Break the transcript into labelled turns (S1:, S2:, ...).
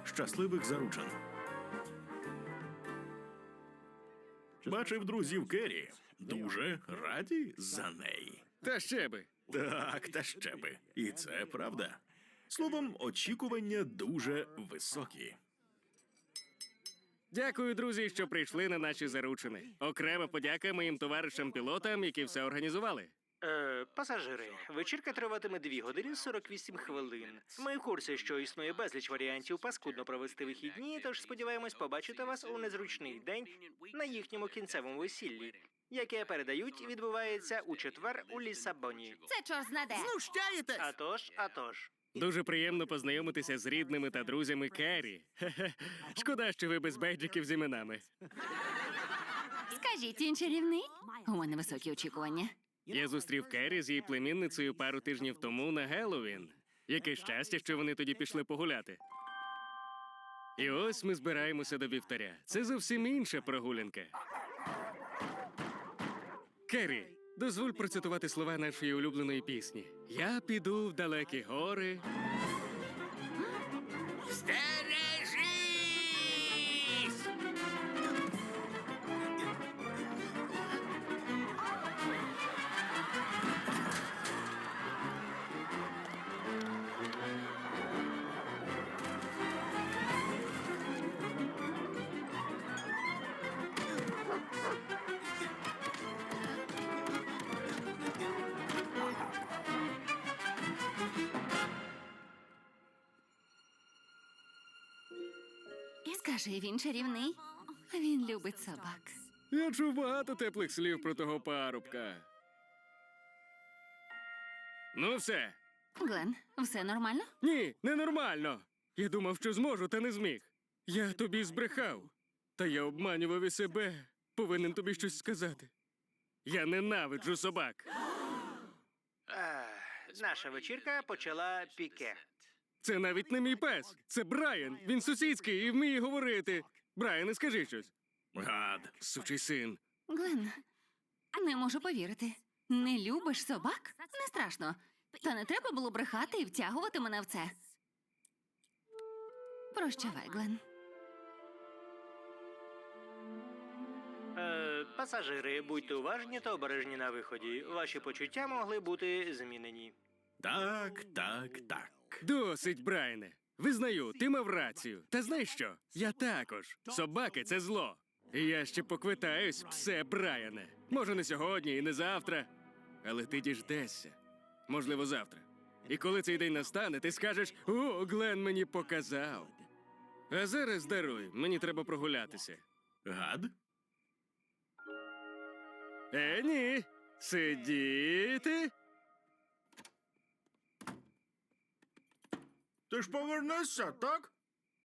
S1: Щасливих заручин. Бачив друзів Керрі. Дуже раді за неї.
S2: Та ще би.
S1: Так, та ще би. І це правда. Словом, очікування дуже високі.
S2: Дякую, друзі, що прийшли на наші заручини. Окрема подяка моїм товаришам-пілотам, які все організували.
S3: Пасажири, вечірка триватиме 2 години 48 хвилин. Ми в курсі, що існує безліч варіантів паскудно провести вихідні, тож сподіваємось побачити вас у незручний день на їхньому кінцевому весіллі, яке, передають, відбувається у четвер у Лісабоні.
S4: Це чорт знаде.
S3: Атож.
S2: Дуже приємно познайомитися з рідними та друзями Керрі. Хе-хе. Шкода, що ви без бейджиків з іменами.
S4: Скажіть, він чарівний? У мене високі очікування.
S2: Я зустрів Керрі з її племінницею пару тижнів тому на Геловін. Яке щастя, що вони тоді пішли погуляти. І ось ми збираємося до вівтаря. Це зовсім інша прогулянка. Керрі, дозволь процитувати слова нашої улюбленої пісні. Я піду в далекі гори.
S5: Стережись!
S4: І скажи, він чарівний? Він любить собак.
S2: Я чув багато теплих слів про того парубка. Ну все.
S4: Глен, все нормально?
S2: Ні, ненормально. Я думав, що зможу, та не зміг. Я тобі збрехав. Та я обманював і себе. Повинен тобі щось сказати. Я ненавиджу собак.
S3: Наша вечірка почала піке.
S2: Це навіть не мій пес. Це Брайан. Він сусідський і вміє говорити. Брайане, скажи щось.
S1: Гад.
S2: Сучий син.
S4: Глен, не можу повірити. Не любиш собак? Не страшно. Та не треба було брехати і втягувати мене в це. Прощавай, Глен.
S3: Пасажири, будьте уважні та обережні на виході. Ваші почуття могли бути змінені.
S1: Так.
S2: Досить, Брайане. Визнаю, ти мав рацію. Та знаєш що? Я також. Собаки – це зло. І я ще поквитаюсь, псе Брайане. Може, не сьогодні і не завтра. Але ти діждешся. Можливо, завтра. І коли цей день настане, ти скажеш: «О, Глен мені показав». А зараз даруй, мені треба прогулятися.
S1: Гад?
S2: Ні. Сидіти.
S1: Ти ж повернешся, так?